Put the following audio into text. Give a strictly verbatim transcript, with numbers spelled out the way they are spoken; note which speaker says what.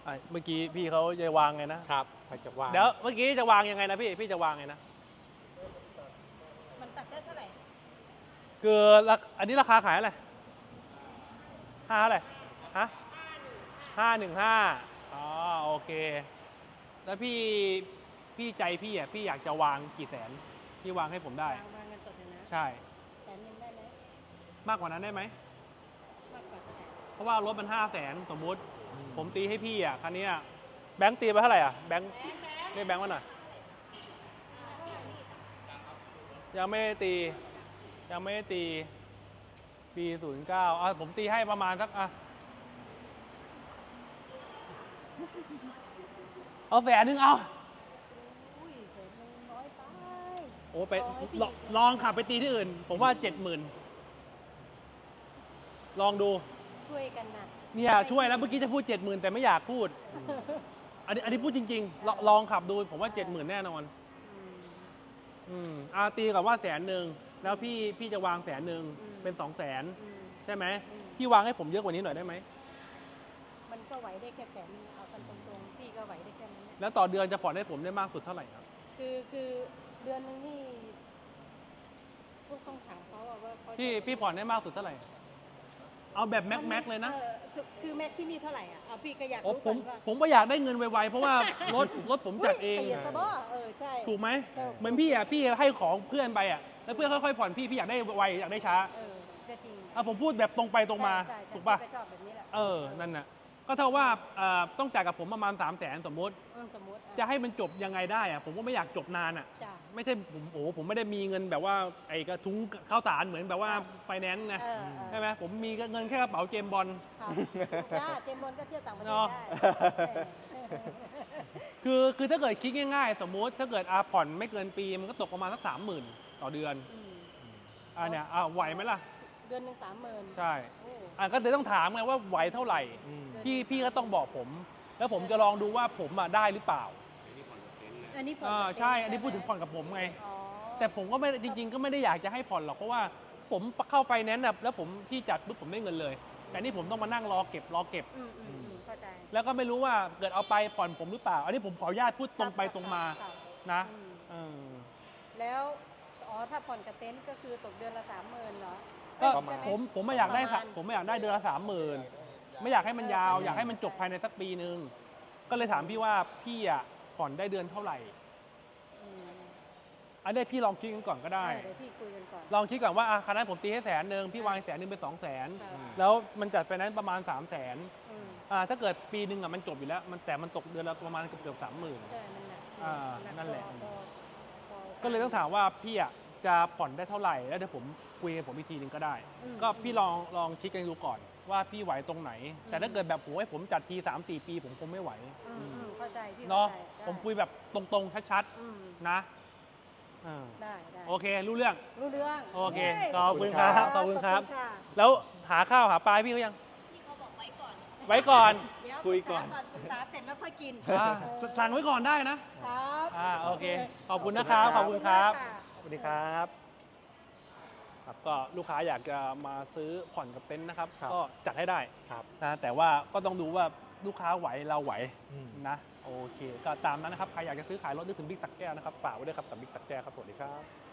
Speaker 1: อ่ะเมื่อกี้พี่เขาจะวางไงนะครับ
Speaker 2: เขาจะวาง
Speaker 1: เดี๋ยวเมื่อกี้จะวางยังไงนะพี่พี่จะวางไงนะ
Speaker 3: มันตัดได้เท่าไหร่
Speaker 1: คือราอันนี้ราคาขายอะไรห้าอะไรฮะห้าหนึ่งห้าอ๋อโอเค แล้วพี่พี่ใจพี่อ่ะพี่อยากจะวางกี่แสนพี่วางให้ผมได้
Speaker 3: วางวางเงินสดเลยนะ
Speaker 1: ใช่
Speaker 3: แสนหนึ่งได้ไหม
Speaker 1: มากกว่านั้นได้ไหม
Speaker 3: มากกว่าแสน
Speaker 1: เพราะว่ารถมันห้าแสนสมมุติ ผมตีให้พี่อ่ะคันนี้อ่ะแบงค์ตีไปเท่าไหร่อ่ะแบงค์เรียกแบงค์มาหน่อยยังไม่ได้ตี ยังไม่ได้ตี ปีศูนย์เก้าอ่ะผมตีให้ประมาณสักอ่ะเอาแสนหนึ่งเอา
Speaker 3: อุ้ยแสนหนึ่งน้อยไป
Speaker 1: โอ้ไป
Speaker 3: ลองให้พี่
Speaker 1: ลองลองขับไปตีที่อื่น ผมว่าเจ็ดหมื่นลองดู
Speaker 3: ช่วยกันนะ
Speaker 1: เนี่ยช่วยแล้วเมื่อกี้จะพูดเจ็ดหมื่นแต่ไม่อยากพูด อันนี้อันนี้พูดจริงๆลองลองขับดูผมว่าเจ็ดหมื่นแน่นอน
Speaker 3: อืม
Speaker 1: อืมอาตีกับว่าแสนหนึ่งแล้วพี่พี่จะวางแสนหนึ่ง
Speaker 3: อืม
Speaker 1: เป็นสองแสน
Speaker 3: อืม
Speaker 1: ใช่ไหม
Speaker 3: อืม
Speaker 1: พี่วางให้ผมเยอะกว่านี้หน่อยได้ไหม
Speaker 3: มันก็ไหวได้แค่แสนนึงเอากันตรงๆพี่ก็ไหวได้แค่นั้นแหละ
Speaker 1: แล้วต่อเดือนจะผ่อนให้ผมได้มากสุดเท่าไหร่ครับ
Speaker 3: คือคือเดือนหนึงนี่พวกต้องถามเขาอะว่าเขาจะ
Speaker 1: พี่พี่ผ่อนได้มากสุดเท่าไหร่ เอาแบบแม็กแม็กเลยนะ
Speaker 3: ออคือคือแม็กที่นี่เท่าไหร่อ่ะเอาพี่ก็อยาก
Speaker 1: โอ้
Speaker 3: รู้
Speaker 1: ผ
Speaker 3: ก่อ
Speaker 1: ม
Speaker 3: นว่า
Speaker 1: ผมก็อยากได้เงินไวๆเพราะว่ารถรถผมจัดเอง
Speaker 3: เปลี่ยนซะบ่เออใช่
Speaker 1: ถูกไหม
Speaker 3: เออ
Speaker 1: เหมือนพี่อ่ะพี่ให้ของเพื่อนไปอ่ะแล้วเพื่อนค่อยๆผ่อนพี่พี่อยากได้ไวอยากได้ช้า
Speaker 3: เออก็จริง
Speaker 1: อ่ะผมพูดแบบตรงไปตรงมา
Speaker 3: ใช่ใช่
Speaker 1: ถูกป่ะ
Speaker 3: พี่ชอบแบบนี้แหละ
Speaker 1: เออนั่นน่ะก็เท่าว่าเอ่อต้องจ่ายกับผมประมาณสามแสนสมมติ
Speaker 3: เออสมมติอ่
Speaker 1: จะให้มันจบยังไงได้อ่ะผมก็ไม่อยากจบนานอ่ะ
Speaker 3: จ้ะ
Speaker 1: ไม่ใช่ผมโอ้โหผมไม่ได้มีเงินแบบว่าไอ้กระทุ้งข้าวสารเหมือนแบบว่าไฟแนนซ์ไง
Speaker 3: เออเออ
Speaker 1: ใช่ไหมผมมีเงินแค่กระเป๋าเจมส์บอล
Speaker 3: ครับจ้าเจมส์บอลก็เที่ยวต่างประเทศ
Speaker 1: เนาะ
Speaker 3: ได้
Speaker 1: คือคือถ้าเกิดคิดง่ายๆ สมมุติถ้าเกิดอาผ่อนไม่เกินปีมันก็ตกประมาณสักสามหมื่นต่อเดือน
Speaker 3: อืม
Speaker 1: อ่าเนี่ยอ่าไหวไหมล่ะ
Speaker 3: เดือนหนึ่งสามหมื่น
Speaker 1: ใช่
Speaker 3: โอ้
Speaker 1: อ่าก็เลยต้องถามไงว่าไหวเท่าไหร่
Speaker 2: อืม
Speaker 1: พี่พี่ก็ต้องบอกผม แล้วผมจะลองดูว่าผมอ่ะได้หรือเปล่า
Speaker 3: อันนี้ผ่อน
Speaker 1: อ่า
Speaker 3: กับ
Speaker 1: ใช่
Speaker 3: เต็ท์
Speaker 1: อันนี้พูดถึงผ่อน
Speaker 3: ใช่ไหม
Speaker 1: กับผมไง
Speaker 3: อ๋อ
Speaker 1: แต่ผมก็ไม่จริง ๆ ก็ไม่ได้อยากจะให้ผ่อนหรอกเพราะว่าผมเข้าไฟแนนซ์น่ะแล้วผมพี่จัดปุ๊บผมได้เงินเลย แต่นี่ผมต้องมานั่งรอเก็บรอเก็บ
Speaker 3: อืมอืมอืมเข้าใจ
Speaker 1: แล้วก็ไม่รู้ว่าเกิดเอาไปผ่อนผมหรือเปล่า อันนี้ผมขออนุญาตพูดตรงไปตรงมา
Speaker 3: ครับ
Speaker 1: นะ
Speaker 3: อืม
Speaker 1: เออ
Speaker 3: แล้วอ๋อถ้าผ่อนกับเต็นท์ก็คือตกเดือนละสามหมื่นเหรอ
Speaker 1: ก็
Speaker 3: เอ้ยใช่ไห
Speaker 1: ผมผมไม่อยากได้
Speaker 3: ประ
Speaker 1: ค่ะ
Speaker 3: มาณ
Speaker 1: ผมไม่อยากได้เดือนละสามหมื่นไม่อยากให้มันยาว อยากให้มันจบภายในสักปีหนึ่งก็เลยถามพี่ว่าพี่อ่ะผ่อนได้เดือนเท่าไหร่
Speaker 3: อืม
Speaker 1: อันนี้พี่ลองคิดกันก่อนก็ได้
Speaker 3: เดี๋ยวพี่คุยกันก่อน
Speaker 1: ลองคิดก่อนว่าอ่ะคันนั้นผมตีให้แสนหนึ่งพี่วางแสนหนึ่งเป็นสองแสน
Speaker 3: ครับ
Speaker 1: แล้วมันจัดไฟแนนซ์ประมาณสามแสน
Speaker 3: อืม
Speaker 1: อ่าถ้าเกิดปีหนึ่งอ่ะมันจบอยู่แล้ว มันแต่มันตกเดือนละประมาณเกือบเกือบสามหมื่น
Speaker 3: ใช่มันหนัก
Speaker 1: อ่า
Speaker 3: หก
Speaker 1: นั่นแหละ
Speaker 3: พอพอพอ
Speaker 1: ก็เลยต้องถามว่าพี่อ่ะจะผ่อนได้เท่าไหร่แล้วเดี๋ยวผมคุยกับผมอีกทีหนึงก็ได้
Speaker 3: อืม
Speaker 1: ก็พี่ลองลองคิดกันดูก่อนว่าพี่ไหวตรงไหน
Speaker 3: อืม
Speaker 1: แต่ถ้าเกิดแบบโหให้ผมจัดทีสามสี่ปีผมคงไม่ไหว
Speaker 3: อืมอืมเข้าใจพี่
Speaker 1: เนาะ
Speaker 3: ข้ใจได้
Speaker 1: ผมคุยแบบตรงๆชัด
Speaker 3: อืม
Speaker 1: ๆนะอ่า
Speaker 3: ได้ได้
Speaker 1: โอเครู้เรื่อง
Speaker 3: รู้เรื่อง
Speaker 1: โอเค
Speaker 3: ฮ้ย
Speaker 1: ขอบคุณครับขอบคุณครับ
Speaker 3: ขอณะ
Speaker 1: แล้วหาข้าวหาปลาให้พี่เขายัง
Speaker 3: พี่เขาบอกไว้ก่อน
Speaker 1: ไว้ก่อน
Speaker 3: เดี๋ยว
Speaker 2: คุยก่อน
Speaker 3: ปรึกษาเสร็จแล้วค่อยกิน
Speaker 1: อ่า
Speaker 3: เออ
Speaker 1: สั่งไว้ก่อนได้นะครับ อ่าโอเค ขอบคุณนะครับขอบคุณครับ
Speaker 3: ขอณมากะ
Speaker 1: สวัสดีครับครับก็ลูกค้าอยากจะมาซื้อผ่อนกับเต็นท์นะครับ
Speaker 2: ครับ
Speaker 1: ก็จัดให้ได้
Speaker 2: ครับ
Speaker 1: นะแต่ว่าก็ต้องดูว่าลูกค้าไหวเราไหว
Speaker 2: อืม
Speaker 1: นะโอเค ก็ตามนั้นนะครับใครอยากจะซื้อขายรถนึกถึงบิ๊กสักแก้วนะครับฝากไว้ด้วยครับกับบิ๊กสักแก้วครับสวัสดีครับ